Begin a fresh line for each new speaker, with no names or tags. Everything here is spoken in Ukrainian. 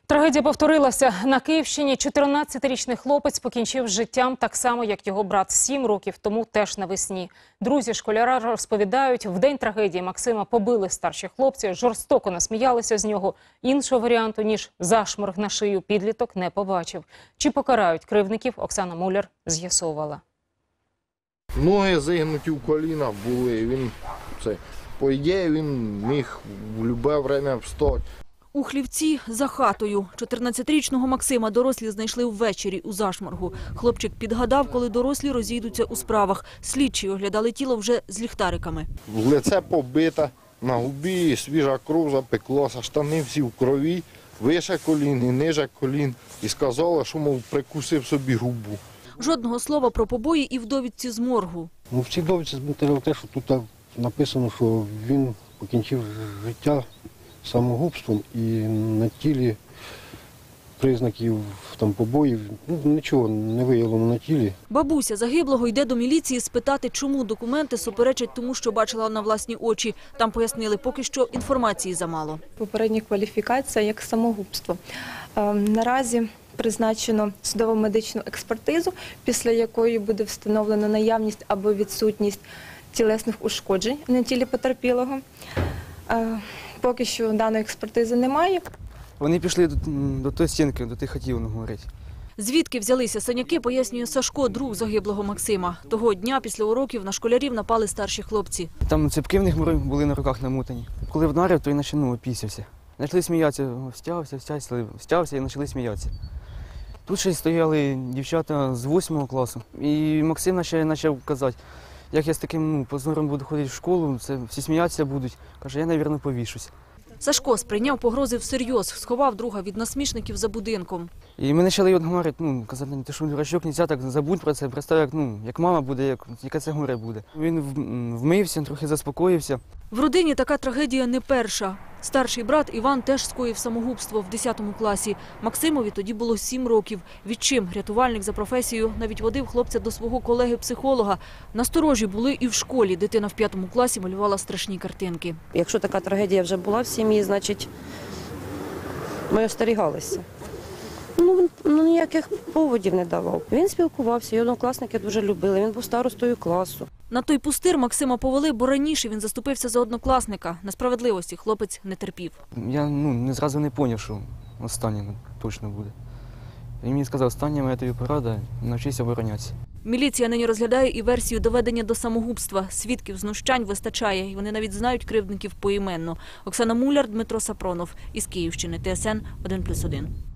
Трагедія повторилася. На Київщині 14-річний хлопець покінчив з життям так само, як його брат 7 років тому, теж навесні. Друзі школяра розповідають, в день трагедії Максима побили старші хлопці, жорстоко насміялися з нього. Іншого варіанту, ніж зашморг на шию, підліток не побачив. Чи покарають кривдників, Оксана Муляр з'ясовувала.
Ноги зігнуті в колінах були. По ідеї, він міг в будь-яке время встати.
У Хлівці за хатою. 14-річного Максима дорослі знайшли ввечері у зашморгу. Хлопчик підгадав, коли дорослі розійдуться у справах. Слідчі оглядали тіло вже з ліхтариками.
Лице побите, на губі свіжа кров запеклася, штани всі в крові, вище колін і ниже колін. І сказали, що, мов, прикусив собі губу.
Жодного слова про побої і в довідці з моргу.
В цій довідці збентежило те, що тут написано, що він покінчив життя самогубством, і на тілі признаків побоїв, нічого не виявлено на тілі.
Бабуся загиблого йде до міліції спитати, чому документи суперечать тому, що бачила на власні очі. Там пояснили, поки що інформації замало.
Попередня кваліфікація як самогубство. Наразі призначено судово-медичну експертизу, після якої буде встановлено наявність або відсутність тілесних ушкоджень на тілі потерпілого. Поки що даної експертизи немає.
Вони пішли до тої стінки, до тих хатів, говорить.
Звідки взялися синяки, пояснює Сашко, друг загиблого Максима. Того дня після уроків на школярів напали старші хлопці.
Там ципки в них були на руках намотані. Коли вдарив, то й опісявся. Почали сміятися, стявся і почали сміятися. Тут ще стояли дівчата з 8 класу. І Максим почав казати, як я з таким позором буду ходити в школу, всі сміятися будуть. Каже, я, мабуть, повішусь.
Сашко сприйняв погрози всерйоз, сховав друга від насмішників за будинком.
І ми почали говорити, казати, ти що, дурачок, не можна так, забудь про це, представ, як мама буде, яке це горе буде. Він вмився, трохи заспокоївся.
В родині така трагедія не перша. Старший брат Іван теж скоїв самогубство в 10 класі. Максимові тоді було 7 років. Відчим рятувальник за професією навіть водив хлопця до свого колеги-психолога. Насторожі були і в школі. Дитина в 5 класі малювала страшні картинки.
Якщо така трагедія вже була в сім'ї, значить ми остерігалися. Ніяких поводів не давав. Він спілкувався, його однокласники дуже любили, він був старостою класу.
На той пустир Максима повели, бо раніше він заступився за однокласника. Несправедливості хлопець не терпів.
Я не зразу не зрозумів, що останнє точно буде. Він мені сказав, остання моя тобі порада – навчися оборонятися.
Міліція нині розглядає і версію доведення до самогубства. Свідків знущань вистачає, і вони навіть знають кривдників поіменно. Оксана Муляр, Дмитро Сапронов. Із Київщини. ТСН 1+1.